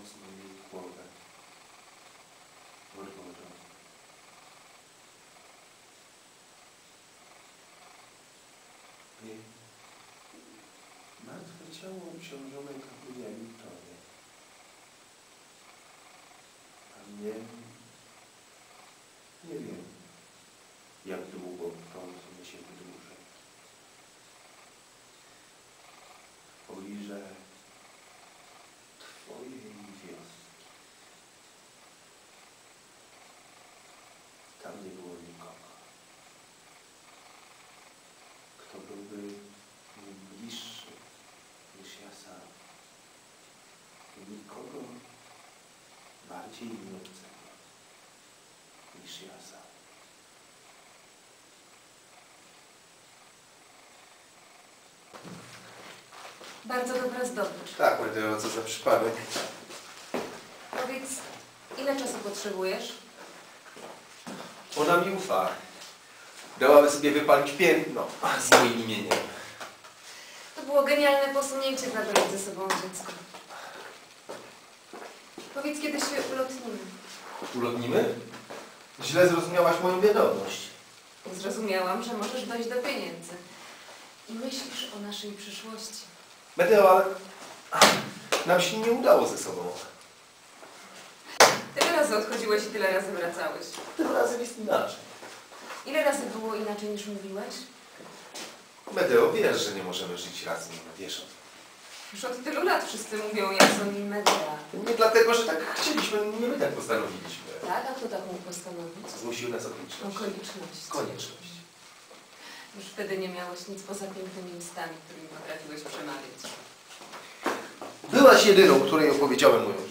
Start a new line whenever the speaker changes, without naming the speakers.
mocno jej głowę. Urwożą. Jej martwe ciało obciążone kamieniami tonie. A mnie nie wiem, jak długo to się wydłuży. Poliżę twojej wioski. Tam nie było nikogo, kto byłby mi bliższy niż ja sam. I nikogo bardziej mi obcego niż ja sam.
Bardzo dobra zdobycz.
Tak, Medeo, co za przypadek.
Powiedz, ile czasu potrzebujesz?
Ona mi ufa. Dałaby sobie wypalić piętno z moim imieniem.
To było genialne posunięcie zabrać ze sobą dziecko. Powiedz, kiedy się ulotnimy.
Ulotnimy? Źle zrozumiałaś moją wiadomość.
Zrozumiałam, że możesz dojść do pieniędzy. I myślisz o naszej przyszłości.
Medeo, ale nam się nie udało ze sobą.
Tyle razy odchodziłeś i tyle razy wracałeś.
Tym razem jest inaczej.
Ile razy było inaczej niż mówiłeś?
Medeo, wiesz, że nie możemy żyć razem, wiesz o tym.
Już od tylu lat wszyscy mówią Jason i Medea.
Nie dlatego, że tak chcieliśmy, nie my tak postanowiliśmy.
Tak? A kto tak mógł postanowić?
Zmusiły nas okoliczności.
Okoliczność.
Konieczność.
Już wtedy nie miałeś nic poza pięknymi ustami, którymi potrafiłeś przemawiać.
Byłaś jedyną, której opowiedziałem moją